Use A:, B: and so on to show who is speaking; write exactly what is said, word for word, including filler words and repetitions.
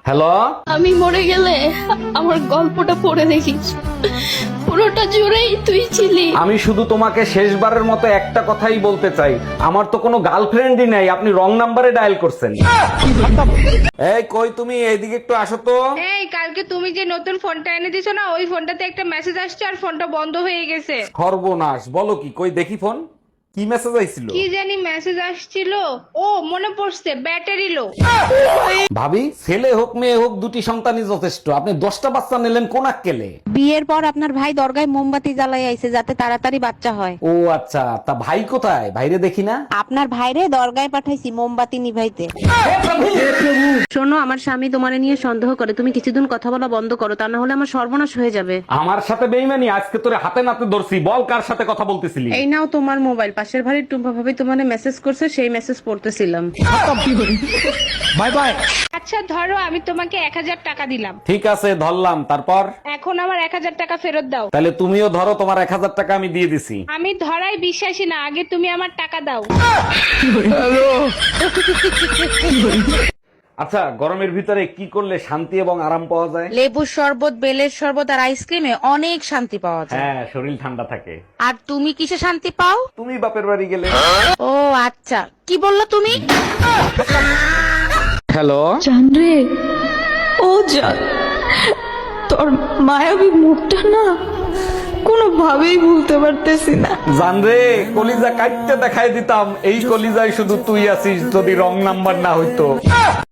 A: Hello,
B: আমি মরে গেলে আমার গল্পটা পড়ে দেখিস, পুরোটা জুড়েই তুই ছিলি।
A: আমি শুধু তোমাকে শেষবারের মতো একটা কথাই বলতে চাই, আমার তো কোনো গার্লফ্রেন্ডই নাই, আপনি রং নাম্বারে ডায়াল করছেন। এই কই তুমি, এইদিকে একটু আসো তো।
C: এই কালকে তুমি যে নতুন ফোনটা এনে দিছো না, ওই ফোনটাতে একটা মেসেজ আসছে আর ফোনটা বন্ধ হয়ে গেছে।
A: সর্বনাশ, বলো কি? কই দেখি ফোন, কি মেসেজ আইছিল?
C: কি জানি মেসেজ আসছিল। ও মনে পড়ছে, ব্যাটারি লো।
A: ভাবি, ছেলে হোক মেয়ে হোক দুটি সন্তানই যথেষ্ট, আপনি দশটা বাচ্চা নিলেন কোন আক্কেলে?
D: বিয়ের পর আপনার ভাই দরগায় মোমবাতি জ্বালাই আইছে যাতে তাড়াতাড়ি বাচ্চা হয়।
A: ও আচ্ছা, তা ভাই কোথায়? ভাইরে দেখি না।
D: আপনার ভাইরে দরগায় পাঠাইছি মোমবাতি নিভাইতে। শোনো, আমার স্বামী তোমারে নিয়ে সন্দেহ করে, তুমি কিছুদিন কথা বলা বন্ধ করো, তা না হলে আমার সর্বনাশ হয়ে যাবে।
A: আমার সাথে বেইমানি? আজকে তোরে হাতে নাতে ধরছি, বল কার সাথে কথা বলতেছিলি?
D: এই নাও তোমার মোবাইল, পাশের বাড়ির টুম্পা ভাবি তোমারে মেসেজ করছে, সেই মেসেজ পড়তেছিলাম।
A: Bye bye.
C: আচ্ছা ধরো, আমি তোমাকে এক হাজার টাকা দিলাম,
A: ঠিক আছে, ধরলাম, তারপর?
C: এখন আমার এক হাজার টাকা ফেরত দাও।
A: তাহলে তুমিও ধরো, তোমার এক হাজার টাকা আমি দিয়ে দিছি।
C: আমি ধরাই বিশ্বাসী না, আগে তুমি আমার টাকা দাও।
A: আচ্ছা, গরমের ভিতরে কি করলে শান্তি এবং আরাম পাওয়া যায়?
D: লেবুর শরবত, বেলের শরবত আর আইসক্রিমে অনেক শান্তি পাওয়া যায়।
A: হ্যাঁ, শরীর ঠান্ডা থাকে।
D: আর তুমি কিসে শান্তি পাও?
A: তুমি বাপের বাড়ি গেলে।
D: ও আচ্ছা, কি বললা তুমি?
A: হ্যালো,
B: জানরে, ও জান, তোর মায়াবী মুখটা না কোনোভাবেই ভুলতে পারতেছি না।
A: জানরে, কলিজা কাটতে দেখাই দিতাম, এই কলিজায় শুধু তুই আছিস, যদি রং নাম্বার না হইতো।